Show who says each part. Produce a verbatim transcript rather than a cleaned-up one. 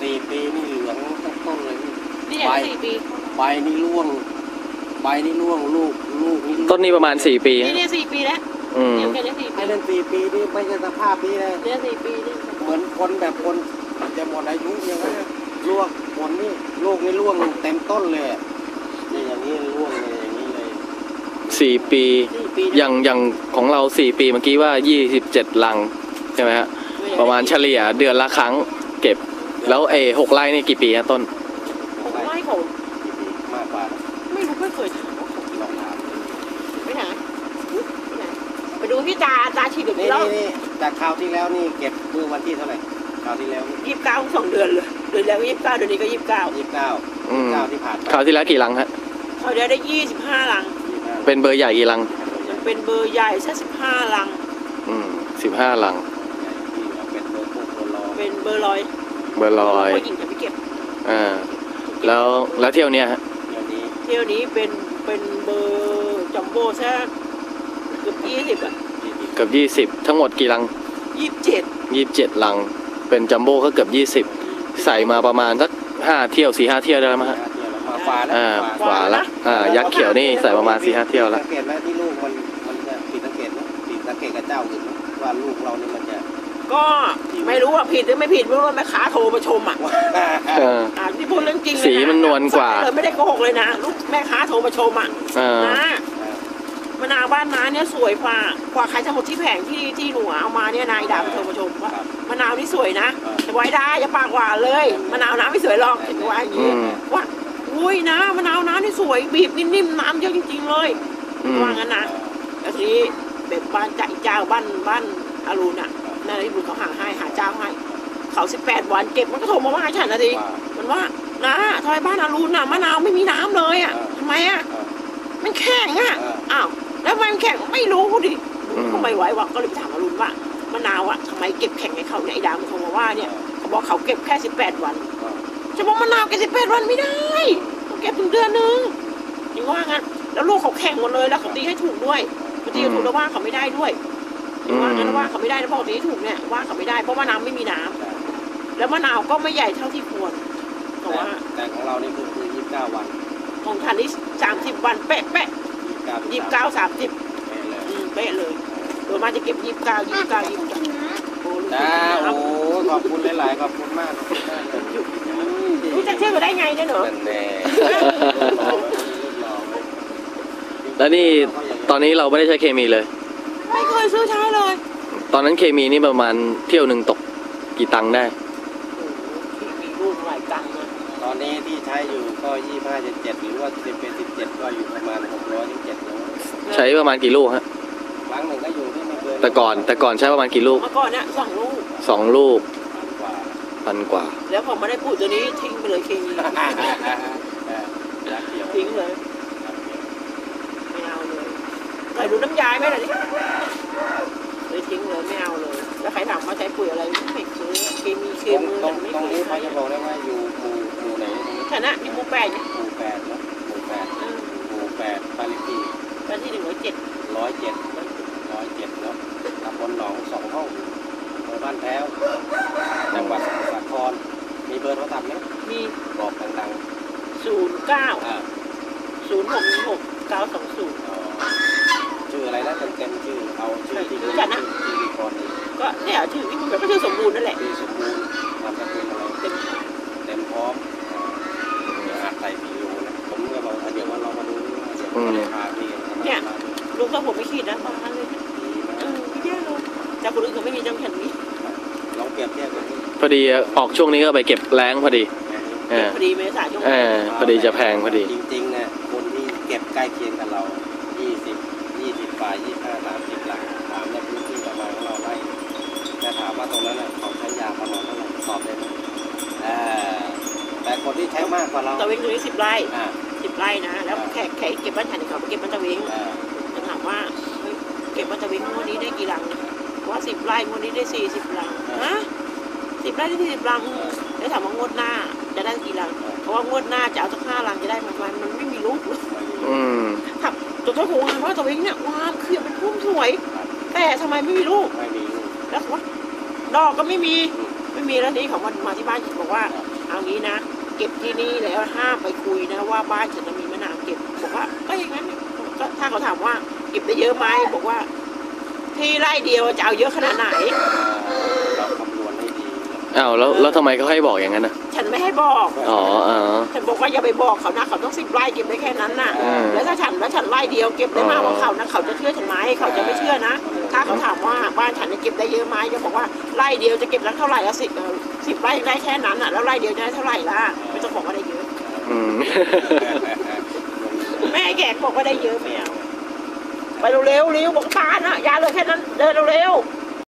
Speaker 1: สี่ปีนี่เหลืองทั้งต้นเลย
Speaker 2: นี่อย่างสี่ปี
Speaker 1: ใบนี่ร่วงใบนี่ร่วงลูกลูกนี่
Speaker 3: ต้นนี้ประมาณสี่ปี
Speaker 2: นี่เนี่ยสี่ปีแล้วเดี๋ยวแค่นี้สี่ปี
Speaker 1: ไอ้นั่นสี่ปีนี่ไม่ใช่สภาพนี้เลย
Speaker 2: เนี่ยสี่ปีนี่
Speaker 1: เหมือนคนแบบคนจะหมดอายุอย่างนั้นร่วงผลนี่ลูกนี่ร่วงเต็มต้นเลยนี่อย่างนี้ร่วงเลยอย่างนี้เลย
Speaker 3: สี่ปีอย่างอย่างของเราสี่ปีเมื่อกี้ว่ายี่สิบเจ็ดลังใช่ไหมฮะประมาณเฉลี่ยเดือนละครั้งเก็บแล้วเอหกไร่นี่กี่ปีฮะต้น
Speaker 2: หกไร่ของ
Speaker 1: มากกว่า
Speaker 2: ไม่รู้ไม่เคยถามว่าของลองถามไปไหนไปดูที่ตาตาฉีดแบบนี้แล้ว
Speaker 1: นี่จากคราวที่แล้วนี่เก็บเมื่อวันที่เท่าไหร่คราวที่แล้ว
Speaker 2: ยี่สิบเก้าสองเดือนเลยเดือนแล้วยี่สิบเก้าเดือนนี้ก็ยี่สิบเก้า
Speaker 1: ยี่สิบเก้าเก้าที่ผ่าน
Speaker 3: คราวที่แล้วกี่ลังฮะ
Speaker 2: คราวที่แล้วได้ยี่สิบห้าลัง
Speaker 3: เป็นเบอร์ใหญ่กี่ลัง
Speaker 2: เป็นเบอร์ใหญ่แค่สิบห้าลัง
Speaker 3: อืมสิบห้าลัง
Speaker 1: เป็นเบอร์พวกเบอร์ลอย
Speaker 2: เป็นเบอร์ลอย
Speaker 3: เบอร์ลอย
Speaker 2: ผู้หญิงจะไปเก็บ
Speaker 3: อ่าแล้วแล้วเที่ยวเนี้ยฮะ
Speaker 2: เที่ยวนี้เป็นเป็นเบอร์จัมโบ้แค่เกือบยี่สิบอ่ะ
Speaker 3: เกือบยี่สิบทั้งหมดกี่ลัง
Speaker 2: ยี่สิบเจ็ด
Speaker 3: ยี่สิบเจ็ดลังเป็นจัมโบ้ก็เกือบยี่สิบใส่มาประมาณสักห้าเที่ยวสี่ห้าเที่ยวได้ไหมฮะ
Speaker 1: ฝาแล้ว
Speaker 3: อ่าฝาละอ่ายักษ์เขียวนี่ใส่ประมาณสี่ห้าเที่ยวแล้ว
Speaker 1: สังเกตไหมที่ลูกมันมันจะผิดสังเกตไหมผิดสังเกตกับเจ้าอื่นว่าลูกเรานี่มันจะ
Speaker 2: ก็ไม่รู้ว่าผิดหรือไม่ผิดไม่รู้ว่าแม่ค้าโทรมาชมอ่ะอ่าที่พูดเรื่องจริง
Speaker 3: สีมันนวลกว่า
Speaker 2: เลยไม่ได้โกหกเลยนะลูกแม่ค้าโทรมาชมอ่ะนะมะนาวบ้านน้าเนี่ยสวยกว่ากว่าใครทั้งหมดที่แผงที่ที่หนูเอามาเนี่ยนายดาโทรมาชมว่ามะนาวนี่สวยนะแต่ไว้ได้อย่าปากหวานเลยมะนาวน้ำไม่สวยหรอกเห็นว่าอย่างนี้ว่าอุ้ยนะมะนาวน้ำนี่สวยบีบนิ่มๆน้ำเยอะจริงๆเลยว่างั้นนะแล้วทีนี้แบบบ้านจ่าเจ้าบ้านบ้านอารุณอ่ะนั่นที่บุญเขาหาให้หาเจ้าให้เขาสิบแปดวันเก็บมันก็โทรมาว่าฉันนะทีมันว่านะทำไมบ้านอารุณน่ะมะนาวไม่มีน้ำเลยอ่ะทำไมอ่ะมันแข็งอ่ะอ้าวแล้วมันแข็งไม่รู้ดิทำไมไหววะก็เลยไปถามอารุณว่ามะนาวอ่ะทำไมเก็บแข็งให้เขาเนี่ยไอ้ดาวมันโทรมาว่าเนี่ยเขาบอกเขาเก็บแค่สิบแปดวันจะบอกมะนาวเก็บสิบแปดวันไม่ได้ต้องเก็บถึงเดือนนึงอย่างว่างั้นแล้วลูกเขาแข็งหมดเลยแล้วเขาตีให้ถูกด้วยบางทีถูกแล้วว่าเขาไม่ได้ด้วยว่างั้นว่าเขาไม่ได้แล้วปกติถูกเนี่ยว่าเขาไม่ได้เพราะว่าน้ำไม่มีน้ำแล้วมะนาวก็ไม่ใหญ่เท่าที่ควรแต่ว่า
Speaker 1: แต่ของเรานี่คือคือยี่สิบเก้าวัน
Speaker 2: ของทันนี่สามสิบวันเป๊ะเป๊ะยี่สิบเก้าสามสิบเป๊ะเลยโดยมาจะเก็บยี่สิบเก้ายี่สิบเก้ายี่สิบเก้า
Speaker 1: จ้าโอ้ขอบคุณหลายๆขอบคุณมาก
Speaker 2: รู้จักชื่อได้ไงเนี่ยเหรอ
Speaker 3: แล้วนี่ตอนนี้เราไม่ได้ใช้เคมีเลย
Speaker 2: ไม่เคยซื้อใช้เลย
Speaker 3: ตอนนั้นเคมีนี่ประมาณเที่ยวหนึ่งตกกี่ตังค์ได้
Speaker 2: มีลูกหลายตังค์นะ
Speaker 1: ตอนนี้ที่ใช้อยู่ก็ยี่ห้าเจ็ดเจ็ดหรือว่าสิบเป็นสิบเจ็ดก็อยู่ประมาณหกร้อยถึงเจ็ดร้อย
Speaker 3: ใช้ประมาณกี่ลูกฮะ
Speaker 1: ครั้งหนึ่งก็อยู่ที่ไม่เกิน
Speaker 3: แต่ก่อนแต่ก่อนใช้ประมาณกี่ลูก
Speaker 2: เมื่อก่อนเนี่ยสองลูก
Speaker 3: สองลูกพันกว่า
Speaker 2: แล้วผมไม่ได้พูดตัวนี้ทิ้งไปเลยเคมีทิ้งเลยไม่เอาเลยใส่ดูน้ำยาไหมล่ะนี่เลยทิ้งเลยไม่เอาเลยแล้วใครถามว่าใช้ปุ๋ยอะไรไม่ซื้อเคมีเคมี
Speaker 1: ตรงตรงนี้เขาจะบอกได้ว่าอยู่หมู่หมู่ไหน
Speaker 2: ฐานะมีหมู่แปด
Speaker 1: หมู่แปดแล้วหมู่แปดหมู่แปดบ้านเลขที่
Speaker 2: บ้านที่หนึ่งร้อยเจ็ด
Speaker 1: ร้อยเจ็ดร้อยเจ็ดแล้วตำบลหนองสองห้องอำเภอบ้านแพ้วจังหวัดสมุทรสาครมีเบอร์โทรศัพท์ไหม
Speaker 2: มี
Speaker 1: บอกดัง
Speaker 2: ๆศูนย์เก้าศูนย์หกหกเก้าสองศูนย์
Speaker 1: ชื่ออะไรนะเต็มๆชื่อเอาชื่อที่รู้
Speaker 2: จักนะก็เนี่ยชื่อที่คุณแบบก็ชื่อสมบูรณ์นั่นแหละ
Speaker 1: ชื่อสมบูรณ์นามสกุลอะไรเต็มเต็มพร้อมเดี๋ยวอาจใส่วีดีโอนะผมก็บอกเดี๋ยวว่าเรามาดูเดี๋ยวเราจะพาพี่
Speaker 2: เนี่ยลุงก็ผมไม่คิดนะประมาณเลยเออแย่เลยแต่คนอื่นเขาไม่มีจำแผ่นนี้
Speaker 1: ลองเปรียบเทียบกัน
Speaker 3: พอดีออกช่วงนี้ก็ไปเก็บแรงพอดี
Speaker 2: พอดีเมษายน
Speaker 3: พอดีจะแพงพอดี
Speaker 1: จริงๆเนี่ยคนที่เก็บใกล้เคียงกับเรายี่สิบยี่สิบฝ่ายยี่สิบห้าสามสิบหลังถามในพื้นที่ประมาณของเราไร่แต่ถามว่าตรงนั้นเขาใช้ยาประมาณเท่าไหร่ตอบได้ไหมแต่คนที่ใช้มากกว่าเรา
Speaker 2: ตะเวงตรงนี้สิบไร่สิบไร่นะแล้วแขกแขกเก็บบ้านฉันเขาไปเก็บบ้านตะเวงจะถามว่าเก็บบ้านตะเวงงวดนี้ได้กี่หลังว่าสิบไร่งวดนี้ได้สี่สิบหลังฮะสิบไร่ได้สี่สิบหลังแล้วถามว่างวดหน้าจะได้กี่หลังเพราะว่างวดหน้าจะเอาสักห้าหลังจะได้ประมาณมันไม่มีลูกเลยครับตัวเจ้าของงานว่าตะเวงเนี่ยว้าวคือเป็นพุ่มสวยแต่ทำไมไม่มีลูกแล้วว่าดอกก็ไม่มีไม่มีแล้วนี้เขามามาที่บ้านบอกว่าเอางี้นะเก็บที่นี่แล้วห้ามไปคุยนะว่าบ้านฉันจะมีมะนาวเก็บบอกว่าก็อย่างนั้นก็ถ้าเขาถามว่าเก็บได้เยอะไหมบอกว่า ที่ไร่เดียวจะเอาเยอะขนาดไหน
Speaker 1: เราคำนวณให้ดี
Speaker 3: อ้าวแล้วแล้วทำไมเขาให้บอกอย่างนั้นนะ
Speaker 2: ฉันไม่ให้บอก
Speaker 3: อ๋ออ๋อ
Speaker 2: ฉันบอกว่าอย่าไปบอกเขานะเขาต้องสิบไร่เก็บได้แค่นั้นน่ะ
Speaker 3: อืม
Speaker 2: แล้วถ้าฉันแล้วฉันไร่เดียวเก็บได้มากกว่าเขานะเขาจะเชื่อฉันไหมเขาจะไม่เชื่อนะ ถ้าเขาถามว่าบ้านฉันเนี่ยเก็บได้เยอะไหมจะบอกว่าไร่เดียวจะเก็บแล้วเท่าไหร่ละสิบสิบไร่ได้แค่นั้นอ่ะแล้วไร่เดียวจะได้เท่าไหร่ล่ะไม่ต้องบอกว่าได้เยอะ
Speaker 3: อืม
Speaker 2: แม่แกบอกว่าได้เยอะไม่เอาไปเร็วๆเร็วบอกตาน่ะยาเลยแค่นั้นเดินเร็วๆ